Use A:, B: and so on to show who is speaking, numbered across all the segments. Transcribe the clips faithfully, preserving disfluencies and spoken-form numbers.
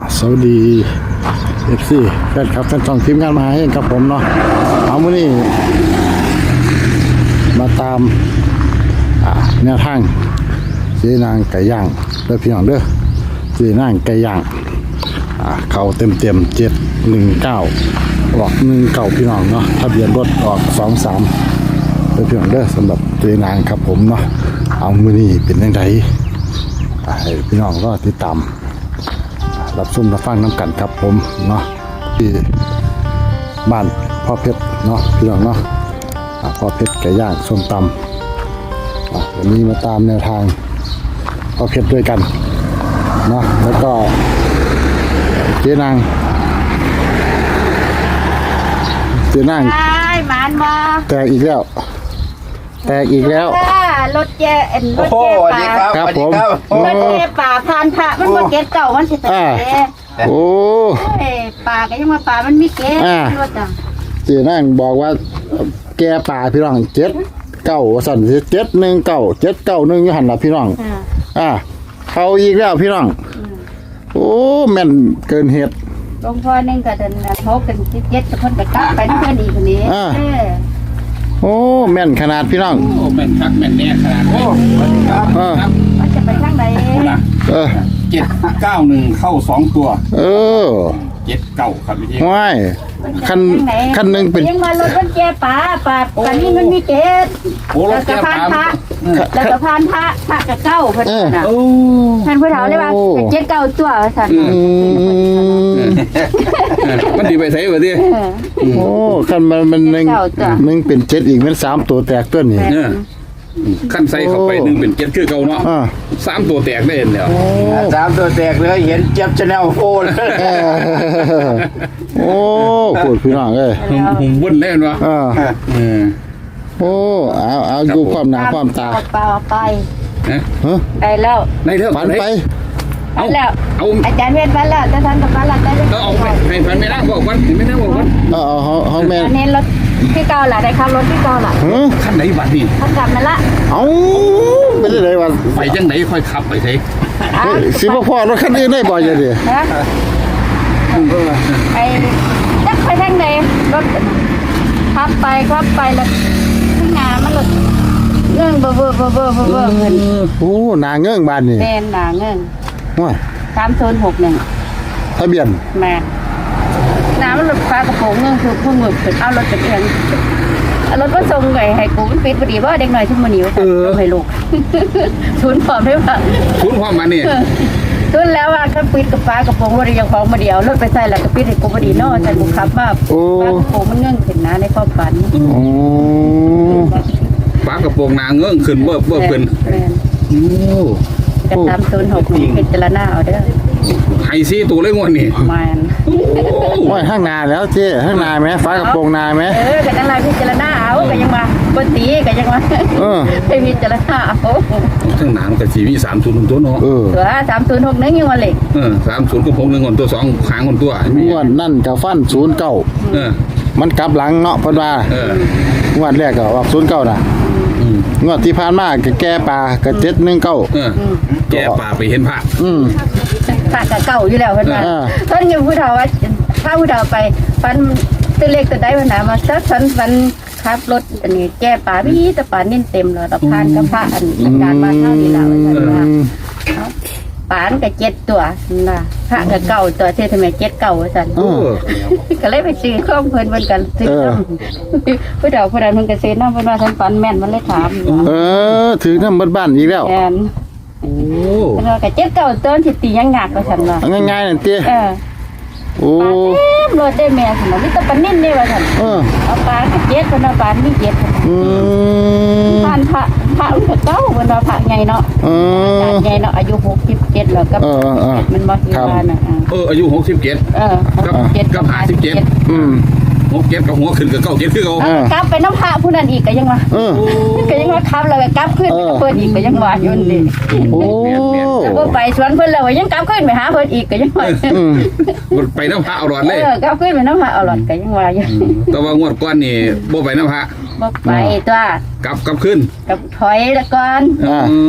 A: สวัสดี เอฟ ซี แฟนครับแฟนช่องทีมงานมาให้ครับผมเนาะเอาวันนี้มาตามแนวทางเจ๊นางไก่ย่างเด้อพี่น้องเด้อเจ๊นางไก่ย่างเขาเต็มเต็มเจ็ดหนึ่งเก้าออกหนึ่งเก้าพี่น้องเนาะทะเบียนรถออกสองสามเด้อพี่น้องเด้อสำหรับเจ๊นางครับผมเนาะเอามื้อนี้เป็นยังไงให้พี่น้องก็ติดตามรับชมรับฟังน้ำกันครับผมเนาะที่บ้านพ่อเพชรเนาะพี่น้องเนาะพ่อเพชรไก่ย่างส้มตำวันนี้มาตามแนวทางพ่อเพชรด้วยกันเนาะแล้วก็เจ๊นางเจ๊นาง
B: หมานบ่
A: แตกอีกแล้วแตกอีกแล้ว
B: รถแย่เอ็นรถแย่ป่า
A: ครับผม
B: รถแย่ป่าพานพระมันบ่เก็ตเก่ามันสิแตก
A: โอ้
B: ป่าก็ยังมาป่ามันมีเก็ตรถอ่ะ
A: เจ๊นางบอกว่าแกป่าพี่น้องเจ็ดเก้าสั่นเจ็ดหนึ่งเก้าเจ็ดเก้าหนึ่งอยู่หันละพี่น้องอ่าเขาอีกแล้วพี่น้องโอ้แม่นเกินเหตุ
B: หลวงพ่อนึงก็เดินโทกกันสิบเจ็ดกับเพิ่นก็กลับไปเพิ่นอีกคนนี้
A: โอ้แม่นขนาดพี่น้อง
C: โอ้แม่นคักแม่นแน่ขนาดโอ้ครับ
B: มันจะไปทางไหน
A: เออ
C: เจ็ดเก้าหนึ่งเข้าสองตัว
A: เออ
C: เจ็ดเก้าครับพี่
A: ว้ายคันคันหนึ่งเป็น
B: ยังมารถมันแก่ป่าป่าตอนนี้มันมีเกศแล้วก็พานพระแล้วก็พานพระพระกับเก้าเพิ่นน่ะท่านผู้เฒ่าเลยว่าเจ็ดเก้าตัวสั่น
C: มันดีไปไสบ่ดิ
A: โอ้คันมันมันหนึ่งหนึ่งเป็นเจ็ดอีกมันสามตัวแตกตัวนี้
C: ขั้นใส่เข้าไปหนึ่งเป็นเจ็ดคือเก่าเนาะสามตัวแตกได้เห็นแล้ว
D: สามตัวแตกเลยเห็นเจ็บชแนลโฟน
A: โอ้ปวดพี่น้องเลย
C: ผมวุ่นเล่นวะ
A: โอ้เอาเอาดูความหนาความตา
B: เปล่าไป
A: ฮะ
B: ไปแล้ว
C: ในเรื่อง
A: ฝันไป
B: เอาแล้วเอาอาจารย์เวทฝันแล้วจะทันกับฝันแล้วได้
C: ก็เอาไปให้ฝันไม่ได้บอกวันไม่ได้บอกวัน
A: เออเขาเขาแม่
B: อันนี้รถที่เก่าล่ะได้ขับรถที่เก่าล่ะ
C: ขั้นไหนบัดนี่
B: ขับกลับมาละ
A: เอ้าไม่ได้เลยว่า
C: ไปจังไหนค่อยขับไปสิ
A: สิบ่พ่อรถคันนี้ได้บ่อยจังดิ
B: ไอ้จักไปทางไหนรถขับไปขับไปแล้วข้างหน้ามันรถเงื่อนเบอร์เบอร์เบอร์เบอร์เบอร์เบอร์เงิน
A: โอ้หนาเงื่อนบ้านนี่
B: แม่หนาเงื่อน
A: ว้า
B: สามโซนหกหนึ่ง
A: ทะเบียน
B: แม่น้ำมันรถฟ้ากระโปรงเงื่อนคือพุ่งหมึกเป็นเอารถเป็นเอียงรถก็ส่งไงให้กูมันปิดพอดีว่าเด็กหน่อยทุ่มมันหนีไปให้ลูกทุนพร้อมได้ป่ะ
C: ทุนพร้อมมานี่
B: ทุนแล้วว่าก็ปิดกับฟ้ากระโปรงรถยังของมาเดียวรถไปใส่แล้วก็ปิดให้กูพอดีนอใส่กูขับว่าฟ้ากระโปรงมันเงื่อนขึ้นนะในความฝัน
C: ฟ้ากระโปรงนางเงื่อนขึ้นเบิบเบิบขึ้น
B: โอ้กระทำโซนหกเป็นจรณาเอาเด้อ
C: ไฮซีตัวเล็กงวดนี่
B: มัน
A: ว่าข้างนาแล้วเจ๊ข้างนาไหมฟ้ากระโปรงนาไหม
B: เออกันอะไรพิจารณาเอากันยังมาปกติกันยังมาไปพิจารณาเอา
C: ข้างหน้ามันก็สีมีสามศูนย์ตัวเนาะ
B: ตัวสามศูนย์หกนึงยังวันเล็ก
C: เออสามศูนย์ก็พงหนึ่งคนตัวสองขางคนตัว
A: งวดนั่นกับฟันศูนย์เก้ามันกลับหลังเนาะพอดว่างวดแรกก็ออกศูนย์เก้าน่ะงวดที่ผ่านมาก็แก่ปลาก็เจ็ดหนึ่งเก้า
C: แก่ปลาไปเห็นพระ
B: พระกับเก่าอยู่แล้วเพิ่นว่าเพิ่นอยู่ผู้เฒ่าว่าถ้าผู้เฒ่าไปฟันตัวเล็กตัวใดปัญหามาซักฟันฟันขับรถอันนี้แก่ปลาพี่ตะปานิ่นเต็มเลยตะพานกับพระอันอาจารย์มาเท่านี้แล้วท่านว่าปานกับเจ็ดตัวน่ะพระกับเก่าตัวเท่ทำไมเจ็ดเก่าสั่นก็เลยไปซื้อข้องเพิ่นเพิ่นกันซื้อผู้เฒ่าผู้ใดเพิ่นก็ซื้อน้ำเพิ่นว่าท่านฟันแม่นมันเลยถาม
A: เออถือน้ำบ้านอีกแล้ว
B: แม่นโอ้แล้วก็เจ็ดเก่าต้นสิตียังหนักกว่าฉันว่า
A: ง่ายๆนั่นติ
B: เออโอ้รถได้แม่ซั่นมีแต่ปานนิ่นนี่ว่าซั่นเออเอาปลาเจ็ดเพิ่นเอาปลามีเจ็ดอืมผ่านพระพระมันก็เก่าเพิ่นว่าพระใหญ่เนาะเออใหญ่เนาะอายุหกสิบเจ็ดแล้วก็มันบ่ที่ว่าน่ะ
C: เอออายุหกสิบเจ็ด
B: เออ
C: กับเจ็ดกับห้าสิบเจ็ดอืมหกเจ็ดกับหัวขึ้นกับเก้าเจ็ดคือเก่าก
B: ลับไปน้ำพระผู้นั้นอีกก็ยังว่าก็ยังว่าขับแล้วก็กลับขึ้นไปเพิ่นอีกก็ยังว่าอยู่นี่โอ้ก็ไปสวนเพิ่นแล้วยังกลับขึ้นไปหาเพิ่นอีกก็ยังว่า
C: ไปน้ำพระเอาหลอดเลย
B: เออกลับขึ้นไปน้ำพระเอาหลอดก็ยังว่าอยู่
C: แต่ว่างวดก้อนนี่บ่ไปน้ำพระ
B: บ่ไปตัว
C: กลับกลับขึ้น
B: กับถอยละก่อน
A: อ่า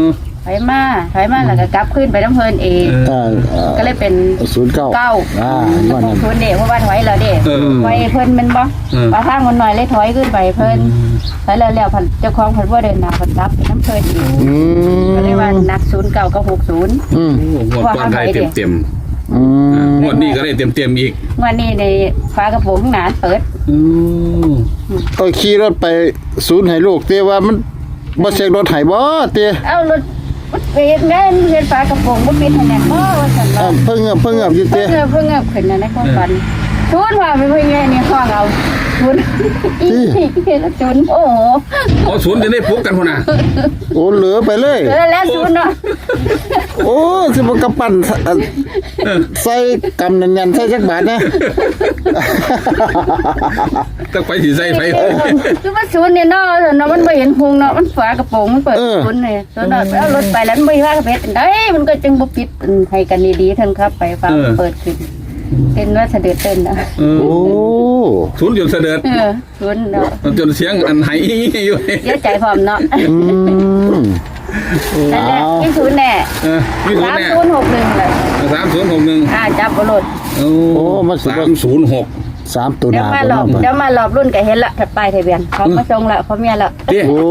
B: ถอยมาถอยมาแล้วก็กลับขึ้นไปน้ำเพลินเอง
A: เออเออ
B: ก็เลยเป็น
A: ศูนย์เก้า
B: เก้า
A: อ่า
B: ห
A: ว่านั่น
B: กศูนย์เด็กเพราะว่าถอยแล้วเด็ก
C: เออ
B: ไว้เพิ่นแมันบ่
C: เออ
B: ปลาทางมันหน่อยเลยถอยขึ้นไปเพิ่นถอยแล้วแล้วพันเจ้าของเพิ่นว่าเดินหน้าเพิ่นรับไปน้ำเพลินอีก
A: อืม
B: ก็เลยว่านักศูนย์เก้าก็หกศูนย์
A: อืม
C: โอ้งวดก่อนได้เต็มเต็ม
A: อืม
C: ๆงวดนี้ก็ได้เต็มเต็มๆอีก
B: วันนี้ในฟ้ากระโปรงหนาเปิด
C: อืม
A: เออขี่รถไปศูนย์ให้ลูกเตี้ยว่ามันบ่เช็ครถให้บ่เตี้ย
B: เอารถเฮ็ดงานเฮ็ดฟ้ากระโปรงบ่ปิดให้แน่บ่ว่าซั่น
A: เอ
B: ว่า
A: อเพิ่งเงบเพิ่งเงบอยู่
B: เพิ่
A: เตี้
B: ง
A: ย
B: เพิ่งขึ้นในความฝันทุนว่าไปเพิ่นไงนี่ห้องเอาทุนอีกละทุนโอ้โห
C: โอ้ศูนย์จะได้พบกันพุ่นน่ะ
A: โอ้เหลือไปเลย
B: เออแล้วทุนเนาะ
A: โอ้สิบ่กระปั้นเอ่อใส่กำแน่นๆใส่จักบาทนะ
C: ต้องไปสิใส่ไป
B: คือว่าศูนย์เนี่ยเนาะเนาะมันบ่เห็นพุงเนาะมันฝากระโปรงมันเปิดศูนย์นี่ศูนย์เนาะเอารถไปแล้วมันบ่ว่ากระเพชรได้มันก็จึงบ่ปิดให้กันดีๆท่านครับไปฟังเปิดขึ้นเป็นว่าเสด็จเต้นนะ
C: เออ
A: โอ้
C: ศูนย์จนเสด็จ
B: เออศูนย์เนาะ
C: จนเสียงอันไหอยู่
B: เยอะใจพร้อมเนาะ
A: อืม
B: นั่นแหละ
A: เอา
B: ที่ศูนย์แน่
C: เออมีศูน
B: สาม
C: ย์แน่
B: ศูนย์หกหนึ่งเลย
C: สามศูนย์หกหนึ่ง
B: อ่าจับบ่รถ
C: โอ้สามศูนย์หก
A: สามตัวห
B: เดี๋ยว
A: น้า
B: มา
A: ตัว
B: หล
A: น้
B: อบ
A: อง
B: เดี๋ยวมาหลอบรุ่นก็เห็นละถัดไปทะเบียนเขามาส่งละเขาเมียละ
C: เตี้ย
A: โอ้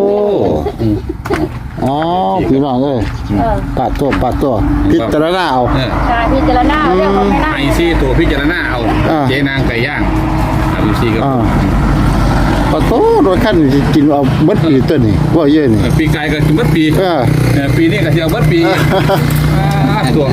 A: อ๋อพี่น้องเอ้ย
B: เออ
A: ปาดตัวปาดตัวพิจารณาเอา
C: เออ
B: ชาพิจารณาเรื่องของไม่น่า
C: ไอซีตัวพิจารณาเอา
A: อ่า
C: เจ๊นางไก่ย่างไอซีกับ
A: อ่าปาดตัวโดยขั้นสิกินเอาเบิดปีตัวนี้ว่าเยอะนี่
C: ปีกายก็เบิดปี
A: เออ
C: เออปีนี้ก็เที่ยวเบิดปีอ่าตัว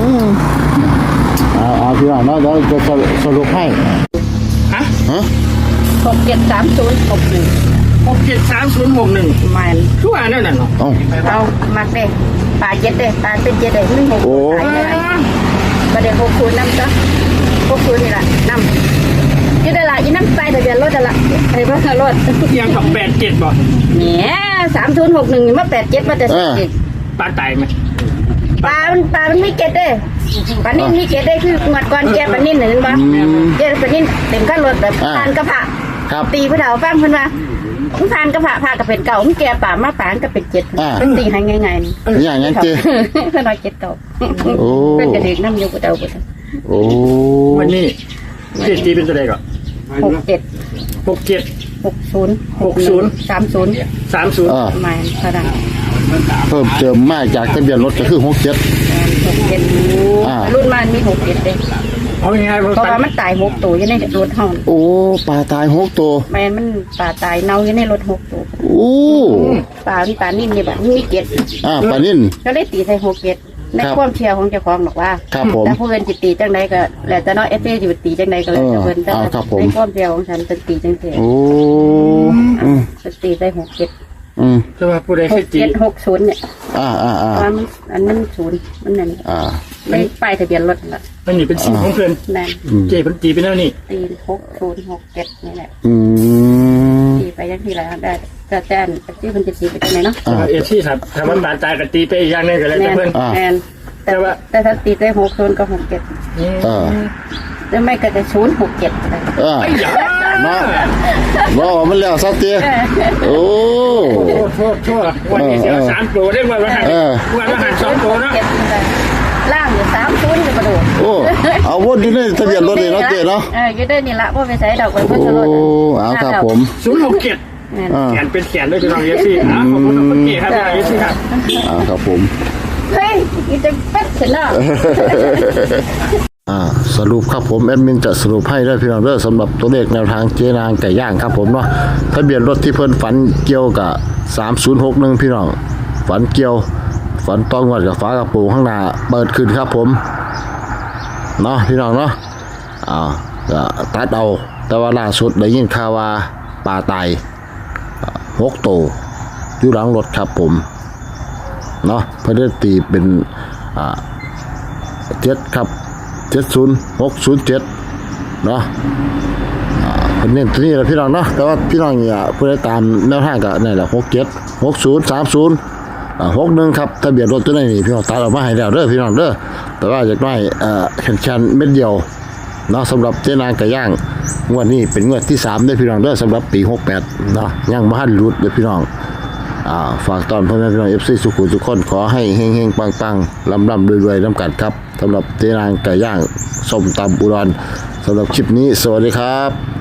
A: เอาเอาพี่น้องเนาะเดี๋ยวจะสรุปให้
E: ฮะ
A: ฮะ
B: หกเจ็ดสามศูนย์หกหนึ่ง
E: หกเจ็ดสามศูนย์หกหนึ่ง
B: มัน
E: ทุกอันนั่นน่ะเนาะ
A: เอ้า
B: เอามักเด้ปลาเจ็ดเด้ปลาเป็นเจ็ดเด้หนึ่งหก
A: โอ้
B: ตายเลยประเดี๋ยวหกคูณน้ำจ้ะหกคูณนี่ละน้ำยี่ได้ละยี่น้ำใต้ทะเบียนรถจะละไอ้บ้ารถ
E: ยังกับแปดเจ็ดบ่
B: เนี่ยสามศูนย์หกหนึ่งมาแปดเจ็ดมาแต่สิบเจ็ด
E: ปลาตายไหม
B: ปลามันปลามันมีเกล็ดเด้ปลานิ่มมีเกล็ดเด้คือหมดก่อนแกปลานิ่มหนึ่งบ้างแกปลานิ่มเต็มขั้นรถแบบทานกระเพาะ
A: ครับ
B: ตีผู้เฒ่าฟังเพิ่นว่าทานกระเพาะพากับเป็นเก่ามันแกป่ามาป่านก็เป็นเจ็ดเป็นตีให้ง่ายๆนี่
A: อย่างนั้นเจ้
B: เพิ่นว่าเจ็ดเก่า
A: โอ้
B: เป็นกระเด็กน้ำอยู่กับเดาบ่
A: โอ้
E: วันนี้เจ็ดตีเป็นตัวใดก่อน
B: หกเจ็ด
E: หกเจ็ด
B: หกศูนย์
E: หกศูนย์
B: สามศูนย์
E: สามศูนย์
A: อ่า
B: ประมาณเท่านั้น
A: เพิ่มเติมมาจากทะเบียนรถก็คือหกเจ็ด
B: หกเจ็ด
A: อ่า
B: รุ่นมันมีหกเจ็ดเด้
E: เอาง่ายๆ
B: เพราะ
E: ว่า
B: ว่ามันตายหกตัวอยู่ในรถห้อง
A: โอ้ปลาตายหกตัว
B: แม่นมันป่าตายเน่าอยู่ในรถหกตัว
A: โอ้
B: ป่ามันป่านิ่มนี่แบบมีเจ็ด
A: อ่าปลานิ่น
B: ก็เลยตีใส่หกเจ็ดใน
A: ครับ
B: ความเชื่อของเจ้าของบอกว่า
A: ครับผม
B: แต่ผู้อื่นจิตีจังใดก็แล้วแต่เนาะเอฟซีจิตีจังใดก็แล้วแต่เพิ่นแต่
A: เออเอาครับผม
B: ในความเชื่อของฉันเป็นตีจังเสีย
A: โอ้อืม
B: เป็นตีใส่หกเจ็ด
A: อืม
E: คือว่าผู้ใด
B: ห
E: เคย
B: ก
E: ตี
B: เจ็ดหกศูนย์เนี่ย
A: อ่าอ่าอ่า
B: ว่ามันอันนั้นศูนย์มันนั่น
A: อ่า
B: ไม่ป้ายทะเบียนรถละ
E: มันนี่เป็นสีของเพื่อน
B: นั่น
E: เจเป็นตีเป็นแล้วนี่
B: ตีหกศูนย์หกเจ็ดนี่แหละ
A: อืม
B: ตีไปยังที่ไรได้แต่แต่อันที่มันจะตีไปจังไหนเนาะ
A: อ่า
E: เอฟซีครับถ้ามันปลาตายก็ตีไปอีกอย่างหนึงก็แล้ว
B: แม
E: แต่
B: น
E: เพื่อน
A: อ่า
B: แมนแต่
E: แต่ว่า
B: แต่ถ้าตีได้หกศูนย์ก็หกเจ็ด
A: อ่า
B: แล้วไม่ก็จะศูนย์หกเจ็ดอะไร
A: อ่าเนาะว่ามันแล้วสักเตี้ยโอ้
E: โทษโทษโทษวันนี้เสียสามตัวได้วันละหัน
A: เออ
E: วันละหันสองตัวเนาะ
B: เจ็ดอะไรล่างอยู่สามศูนย์จะกระโดด
A: โอ้เอาวนอยู่ในทะเบียนรถเลยเนาะเจ๊เนาะ
B: เอออยู่ได้นี่ละว่าไปใส่ดอกไว้
A: โอ้
B: เพื่อจะลด
A: เอาครับผม
E: ศูนย์หกเจ็ด
A: อ่า
E: แขนเป็นแขนด้วยพี่น้องเอฟซีอ่ะขอบคุณน้องเก๋ครับพี่น้องเอฟซีครับ
A: อ่าครับผม
B: เฮ้ยอีจะเป็ดเสร็จแล้ว
A: อ่าสรุปครับผมแอดมินจะสรุปให้ได้พี่น้องเด้อสำหรับตัวเลขแนวทางเจนางไก่ย่างครับผมเนาะทะเบียนรถที่เพิ่นฝันเกี่ยวกับสามศูนย์หกหนึ่งพี่น้องฝันเกี่ยวฝันต้องวัดกับฟ้ากระโปรงข้างหน้าเปิดขึ้นครับผมเนาะพี่น้องเนาะอ่าก็ตัดเอาแต่ว่าล่าสุดได้ยินข่าวว่าปลาตายอ่าหกตัวอยู่หลังรถครับผมเนาะเพิ่นได้ตีเป็นอ่าเจ็ดครับเจ็ดศูนย์หกศูนย์เจ็ดเนาะอ่าเป็นเน้นตัวนี้แหละพี่น้องเนาะแต่ว่าพี่น้องเนี่ยเพื่อตามแนวทางก็นี่แหละหกเจ็ดหกศูนย์สามศูนย์อ่าหกหนึ่งครับทะเบียนรถตัวนี้นี่พี่น้องตัดออกมาให้แล้วเด้อพี่น้องเด้อแต่ว่าจากน้อยเอ่อแข็งชันเม็ดเดียวเนาะสำหรับเจนางไก่ย่างงวดนี้เป็นงวดที่สามเด้อพี่น้องเด้อสำหรับปีหกแปดเนาะยังบ่ทันหลุดเด้อพี่น้องอ่าฝากตอนพ่อแม่พี่น้อง เอฟ ซี สุขุมทุกคนขอให้เฮงๆปังๆลำๆรวยๆน้ำกัดครับสำหรับเจนางไก่ย่างส้มตำอุดรสำหรับคลิปนี้สวัสดีครับ